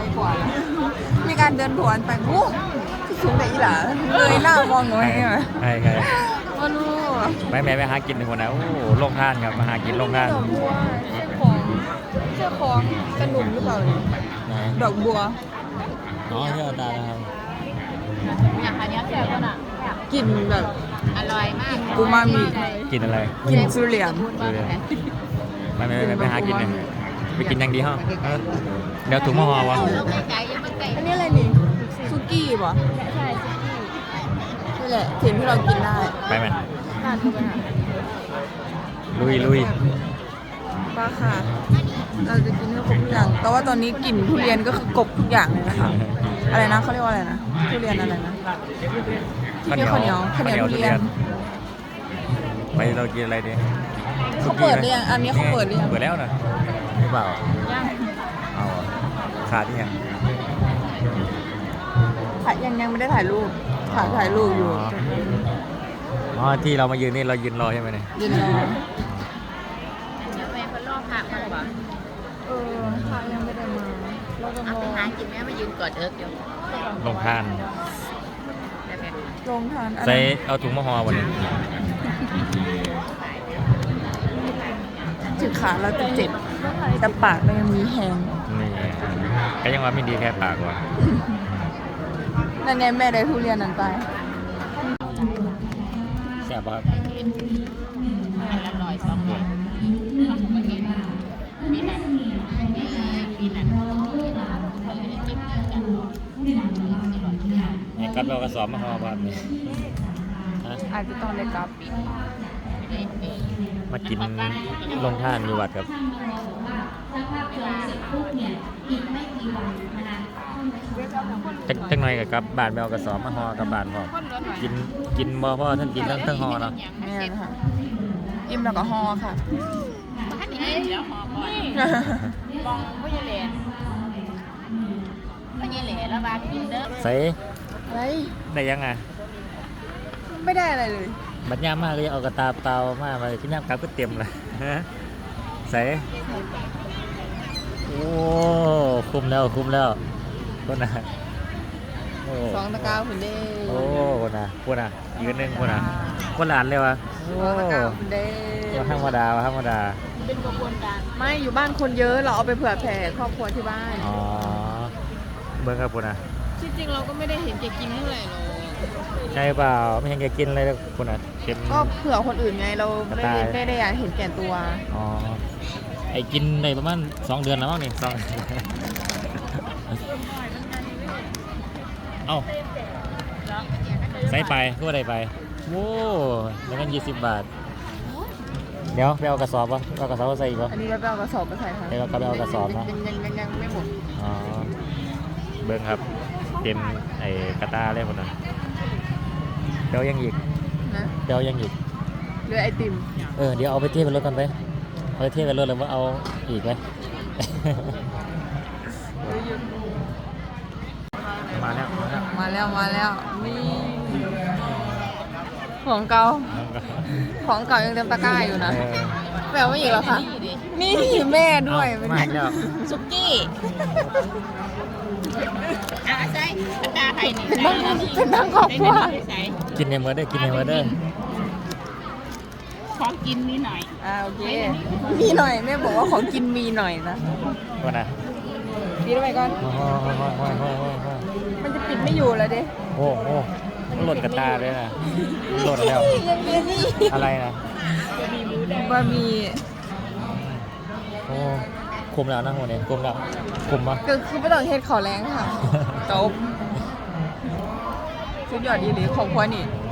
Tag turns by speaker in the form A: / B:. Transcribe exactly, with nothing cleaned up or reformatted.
A: กว่ามีการเดินผวนไปโอ้สูงแต่อีหล่าเลยหน้ามองหนูให้ไหม
B: ใช่ใช่
A: ว่ารู้
B: ไม่แม่ไปหากินคนนะโอ้โหโรงทานครับมาหากินโรงทาน
A: ดอกบัวเสื้อของเสื้อของกระหนุ่มหรือเปล่าเนี่ย
B: ไหน
A: ดอกบัว
B: อ๋อที่เราตานะครับ
C: อย่างอันนี้แซ่บน่ะ
A: กลิ่นแบบ
C: อร่อยมาก
A: อูมามิ
B: กินอะไร
A: กลิ่นสุเรียน
B: ดูเลยไม่ไม่ไม่ไปหากินเลยไปกินอย่างดีห้องเดี๋ยวถุงมะฮอวะ
C: ลูกไก่ยังไม่ไก่
A: อันนี้อะไรนี่ซุกี้ป่ะ
C: ใช่ซุกี้
A: นี่แหละถิ่นที่เรากินได้
B: ไปไหม
A: น่าดูไหมคะ
B: ลุยลุย
A: ป้าค่ะ เราจะกินให้ครบทุกอย่าง แต่ว่าตอนนี้กลิ่นทุเรียนก็คือกบทุกอย่างเลยนะคะ อะไรนะเขาเรียกว่าอะไรนะ ทุเรียนอะไรนะที่มีข้าวเหนียวข้าวเหนียวทุเรียน
B: ไปเรากินอะไรดี
A: เขาเปิดหรือยังอันนี้เขาเปิดหรือยัง
B: เปิดแล้วนะหรือเปล่า
A: ยัง
B: เอาขาดที่ยัง
A: ถ่ายยังยังไม่ได้ถ่ายรูป ถ่ายถ่ายรูปอยู่
B: อ๋อที่เรามายืนนี่เรายืนรอใช่ไหมเนี่ย
A: ยืนรอ
C: เดี๋ยวแม่คนรอบผักมันบ่
A: เออถ่ายยังไม่ได้มาเราจะ
C: เอา
A: ร
C: ไป
A: อ
C: หากินแม่มายืนกอดเอิร์กอยู่
B: ลงทาน
C: ได้ไหม
A: ลงทานอัน
B: ใส่
A: นั้น
B: เอาถุงมะฮอวันนี้
A: ถึงขาเราจะเจ็บแต่ปากเรายังมีแหง
B: นี่ก็ยังว่าไม่ดีแค่ปากว่ะ
A: นั่นไงแม่ได้ทุเรียนนั้นไป
B: แซ่บครับ
C: อร่อยสองคนมีหนังมีหนัง
B: นี่กัดเรากระสอบมะฮอแบบนี้ฮะ
A: อาจจะต้องได้กลับ
B: มากินลงทานอยู่วัดครับจักจักหน่อยกับกลับบ้านไปเอากระสอบมาฮอกับบ้านพ่อกินกินบ่พ่อท่านกินทั้งทั้งฮอเนาะ
A: นี่นะคะอิ่มแล้วก็ห่อค่ะ
C: บ้านนี้เดี๋ยวหอมก่อนมองพ่อใหญ่เหล่พ่อใหญ่เหล่แล้วบากินเด้อ
B: ใส่
A: อะไร
B: ได้ยังไง
A: ไม่ได้อะไรเลย
B: บัดยามมากเลยเอากระตาเปล่ามาไปที่น้ำกลับก็เต็มเลยฮะใส่โอ้คุ้มแล้วคุ้มแล้วคนน่ะโอ้
A: สองตะกร้าคุณเด้
B: โอ้คนน่ะคนน่ะยืนหนึ่งคนน่ะคนหลานเลยวะโอ้
A: สองตะกร้าคุณเด้
B: ธรรมดาวะธรรมดา
C: เป็นกระบวนการ
A: ไม่อยู่บ้านคนเยอะเราเอาไปเผื่อแผ่ครอบครัวที่บ้าน
B: อ๋อเบิ้งครับคนน่ะ
A: ที่จริงเราก็ไม่ได้เห็นแกกินเท่าไหร่หรอก
B: ใช่เปล่าไม่เห็นแกกินอะไรเลยคนน่ะเค็ม
A: ก็เผื่อคนอื่นไงเราไม่ได้ไม่ได้อยากเห็นแก่ตัว
B: อ๋อไอ้กินในประมาณสองเดือนแล้วมั้งนี่สอง เอ้าใส่ไปก็ได้ไปโว้แล้วกันยี่สิบบาท เดี๋ยวไปเอากระสอบวะเอากระสอบมาใส่อีกวะ
A: อันนี้เราไปเอากระสอบไปใส่ค่ะ
B: เดี๋ยวเราก็ไปเอากระสอบนะ
A: ยังยังยังยังไม่หมด
B: อ๋อเบิ้งครับเต็มไอ้กระตาเลยคนนั้นเดี๋ยวยังอีก
A: นะ
B: เดี๋ยวยังอีก
A: เรือไอติม
B: เออเดี๋ยวเอาไปเทียบเป็นรถกันไปเอาไปเทียบเป็นรถแล้วว่าเอาอีกไหม มาแล้วมาแล้ว
A: มาแล้วมาแล้วนี่ของเก่าของเก่ายังเต็มตะกร้าอยู่นะ
B: เออ
A: แปลว่าอีกแล้วค่ะนี่แม่ด้วย
B: เอ้ามาอีกแล้ว
C: ซุกี้อาใส่กระดาษไทยนี่
A: เป็นทั้งเป็นทั้งครอบครัว
C: ใส่
B: กินในมือได้อกินในมือได้อ
C: ของกินนิดหน่อย
A: อ่าโอเคมีหน่อยแม่บอกว่าของกินมีหน่อยนะ
B: คนน่ะ
A: ดีด้วยก่อน
B: โอ้โหโอ้โหโอ้โหโอ้โห
A: มันจะปิดไม่อยู่แล้วดิ
B: โอ้โหหล่นกระตาเลยนะหล่นแล้ว
A: ยังมีนี่
B: อะไรนะ
A: บะหมี่
B: โอ้คุมแล้วนะหัวเนี่ยคุมแล้วคุมปะ
A: ก็คือไม่ต้องเฮ็ดขอแรงค่ะจบสุดยอดดีหรือของครัวนี่